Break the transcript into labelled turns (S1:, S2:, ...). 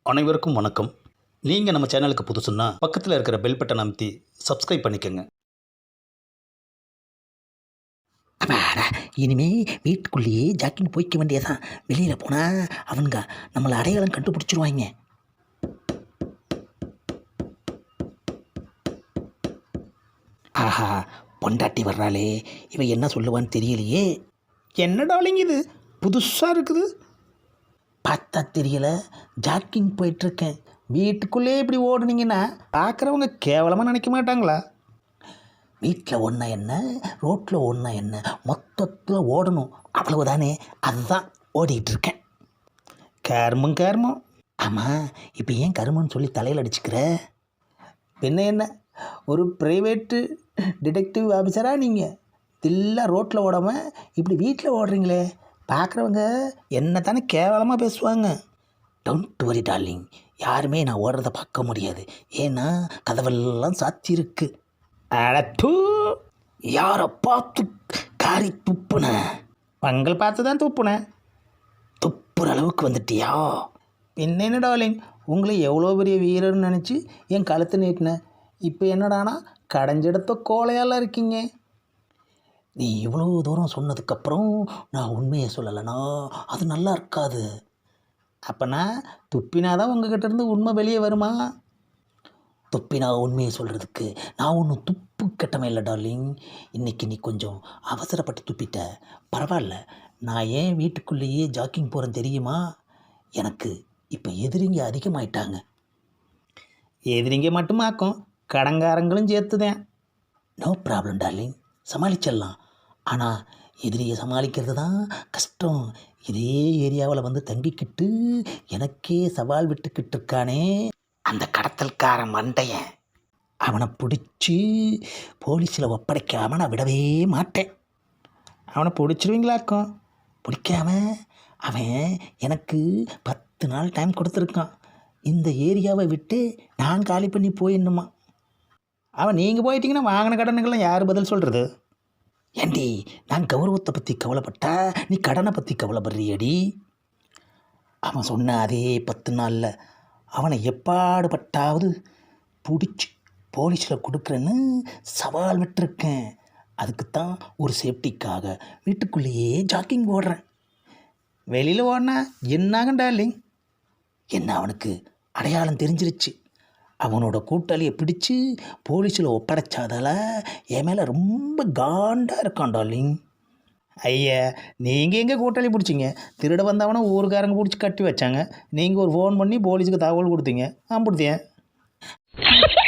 S1: அனைவருக்கும் வணக்கம். நீங்கள் நம்ம சேனலுக்கு புதுசுன்னா பக்கத்தில் இருக்கிற பெல் பட்டனை அமைத்தி சப்ஸ்கிரைப் பண்ணிக்கோங்க.
S2: அப்பாடா, இனிமே வீட்டுக்குள்ளேயே ஜாக்கிங் போய்க்க வேண்டியதான். வெளியில் போனால் அவனுங்க நம்மளை அடையாளம் கண்டுபிடிச்சிருவாங்க. ஆஹா, பொண்டாட்டி வர்றாளே, இவன் என்ன சொல்லுவான்னு தெரியலையே.
S3: என்ன டார்லிங் இது புதுசாக இருக்குது?
S2: பார்த்தா தெரியல, ஜாக்கிங் போயிட்டுருக்கேன்.
S3: வீட்டுக்குள்ளே இப்படி ஓடுனீங்கன்னா பார்க்குறவங்க கேவலமாக நினைக்க மாட்டாங்களா?
S2: வீட்டில் ஒன்றா என்ன, ரோட்டில் ஒன்றா என்ன, மொத்தத்தில் ஓடணும், அவ்வளவுதானே. அதுதான் ஓடிக்கிட்டு இருக்கேன்.
S3: கர்மம்.
S2: ஆமாம், இப்போ ஏன் கருமன்னு சொல்லி தலையில் அடிச்சுக்கிற?
S3: என்ன ஒரு ப்ரைவேட்டு டிடெக்டிவ் ஆஃபீஸராக நீங்கள் தில்லா ரோட்டில் ஓடாமல் இப்படி வீட்டில் ஓடுறீங்களே, பார்க்குறவங்க என்ன தானே கேவலமாக பேசுவாங்க.
S2: டோன்ட் வரி டார்லிங், யாருமே நான் ஓடுறத பார்க்க முடியாது. ஏன்னா கதவெல்லாம் சாத்தியிருக்கு.
S3: அடத்து,
S2: யாரை பார்த்து காரி துப்புன?
S3: பங்கள் பார்த்து தான் துப்புனேன்.
S2: துப்புற அளவுக்கு வந்துட்டியா?
S3: என்ன டார்லிங், உங்களை எவ்வளோ பெரிய வீரர்னு நினச்சி என் கழுத்தை நீட்டினேன். இப்போ என்னடானா கடைஞ்செடுத்த கோலையால் இருக்கீங்க.
S2: நீ இவ்வளோ தூரம் சொன்னதுக்கப்புறம் நான் உண்மையை சொல்லலைனா அது நல்லா இருக்காது.
S3: அப்போனா துப்பினாதான் உங்ககிட்ட இருந்து உண்மை வெளியே வருமா?
S2: துப்பினா உண்மையை சொல்கிறதுக்கு நான் ஒன்றும் துப்பு கட்டமே இல்லை டார்லிங். இன்றைக்கி நீ கொஞ்சம் அவசரப்பட்டு துப்பிட்ட. பரவாயில்ல, நான் ஏன் வீட்டுக்குள்ளேயே ஜாக்கிங் போகிறேன் தெரியுமா? எனக்கு இப்போ எதிரிங்க அதிகமாயிட்டாங்க.
S3: எதிரிங்க மட்டுமாக்கும், கடங்காரங்களும் சேர்த்துதேன்.
S2: நோ ப்ராப்ளம் டார்லிங், சமாளிச்சிடலாம். ஆனால் எதிரியை சமாளிக்கிறது தான் கஷ்டம். இதே ஏரியாவில் வந்து தங்கிக்கிட்டு எனக்கே சவால் விட்டுக்கிட்டு இருக்கானே அந்த கடத்தல்காரன் மண்டையன், அவனை பிடிச்சி போலீஸில் ஒப்படைக்காமல் நான் விடவே மாட்டேன்.
S3: அவனை பிடிச்சிருவீங்களாக்கும்?
S2: பிடிக்காம அவன் எனக்கு 10 நாள் டைம் கொடுத்துருக்கான். இந்த ஏரியாவை விட்டு நான் காலி பண்ணி போயிடணுமா.
S3: அவன் நீங்கள் போயிட்டீங்கன்னா வாங்கின கடனுக்கெல்லாம் யார் பதில் சொல்கிறது?
S2: ஏண்டி, நான் கௌரவத்தை பற்றி கவலைப்பட்டா நீ கடனை பற்றி கவலைப்படுறியடி. அவன் சொன்ன அதே 10 நாளில் அவனை எப்பாடுபட்டாவது பிடிச்சி போலீஸில் கொடுக்குறேன்னு சவால் விட்டுருக்கேன். அதுக்குத்தான் ஒரு சேஃப்டிக்காக வீட்டுக்குள்ளேயே ஜாக்கிங் ஓடுறேன்.
S3: வெளியில் ஓடினா என்னாகும் டார்லிங்?
S2: என்ன அவனுக்கு அடையாளம் தெரிஞ்சிருச்சு. அவனோட கூட்டாளியை பிடிச்சி போலீஸில் ஒப்படைச்சாதால என் மேலே ரொம்ப காண்டாக இருக்கான் டார்லிங்.
S3: ஐயா, நீங்கள் எங்கே கூட்டாளி பிடிச்சிங்க? திருட வந்தவனை ஊருக்காரங்க பிடிச்சி கட்டி வச்சாங்க. நீங்கள் ஒரு ஃபோன் பண்ணி போலீஸுக்கு தகவல் கொடுத்தீங்க. பிடித்தேன்.